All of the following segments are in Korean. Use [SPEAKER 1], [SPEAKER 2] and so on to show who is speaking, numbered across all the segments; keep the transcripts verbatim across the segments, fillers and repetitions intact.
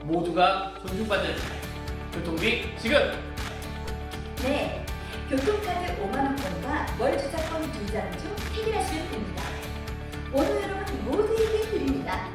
[SPEAKER 1] 모두가 존중받는 교통비 지급!
[SPEAKER 2] 네, 교통카드 오만 원권과 월 주차권 두 장 중 해결하시면 됩니다. 오늘 여러분 모두에게 드립니다.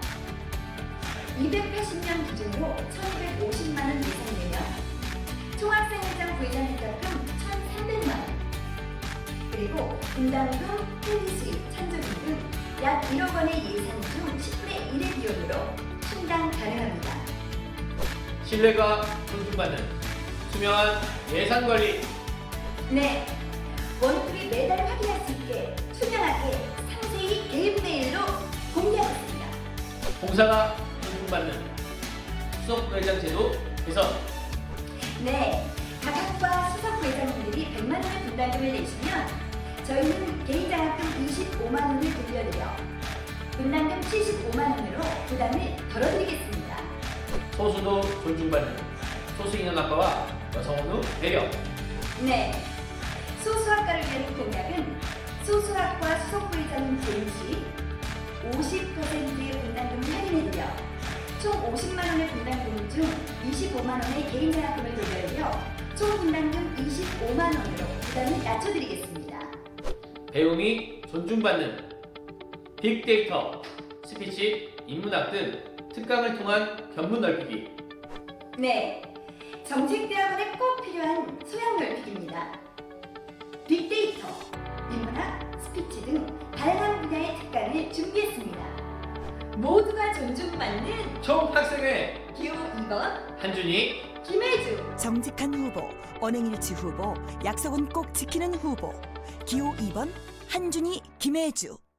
[SPEAKER 2] 이백팔십 년 기준으로 천이백오십만 원 예상되며 총학생회장 부회장 혜택금 천삼백만 원, 그리고 분담금, 헬기수입, 찬조비 등 약 일억 원의 예산 중 십분의 일의 비용으로 충당 가능합니다.
[SPEAKER 1] 신뢰가 존중받는 투명한 예산 관리.
[SPEAKER 2] 네, 원투비 매달 확인할 수 있게 투명하게 상세히 개인 메일로 공개하겠습니다.
[SPEAKER 1] 공사가 존중받는 수석부회장 제도 개선.
[SPEAKER 2] 네, 각 학과 수석 부회장님들이 백만 원의 분담금을 내시면 저희는 개인장학금 이십오만 원을 돌려드려 분담금 칠십오만 원으로 부담을 덜어드리겠습니다.
[SPEAKER 1] 소수도 존중받는 소수인원학과와 여성원우 배려.
[SPEAKER 2] 네, 소수학과를 위한 공약은 소수학과 수석 부회장님 재임 시 오십 퍼센트의 분담금을 할인해드려 총 오십만 원의 분담금 중 이십오만 원의 개인장학금을 돌려드려 총 분담금 이십오만 원으로 부담을 낮춰드리겠습니다.
[SPEAKER 1] 배움이 존중받는 빅데이터, 스피치, 인문학 등 특강을 통한 견문 넓히기.
[SPEAKER 2] 네, 정책대학원에 꼭 필요한 소양 넓히기입니다. 빅데이터, 인문학, 스피치 등 다양한 분야의 특강을 준비했습니다. 모두가 존중받는
[SPEAKER 1] 총학생회
[SPEAKER 2] 기호 이 번
[SPEAKER 1] 한준희.
[SPEAKER 2] 김혜주.
[SPEAKER 3] 정직한 후보, 언행일치 후보, 약속은 꼭 지키는 후보. 기호 이 번 한준희, 김혜주.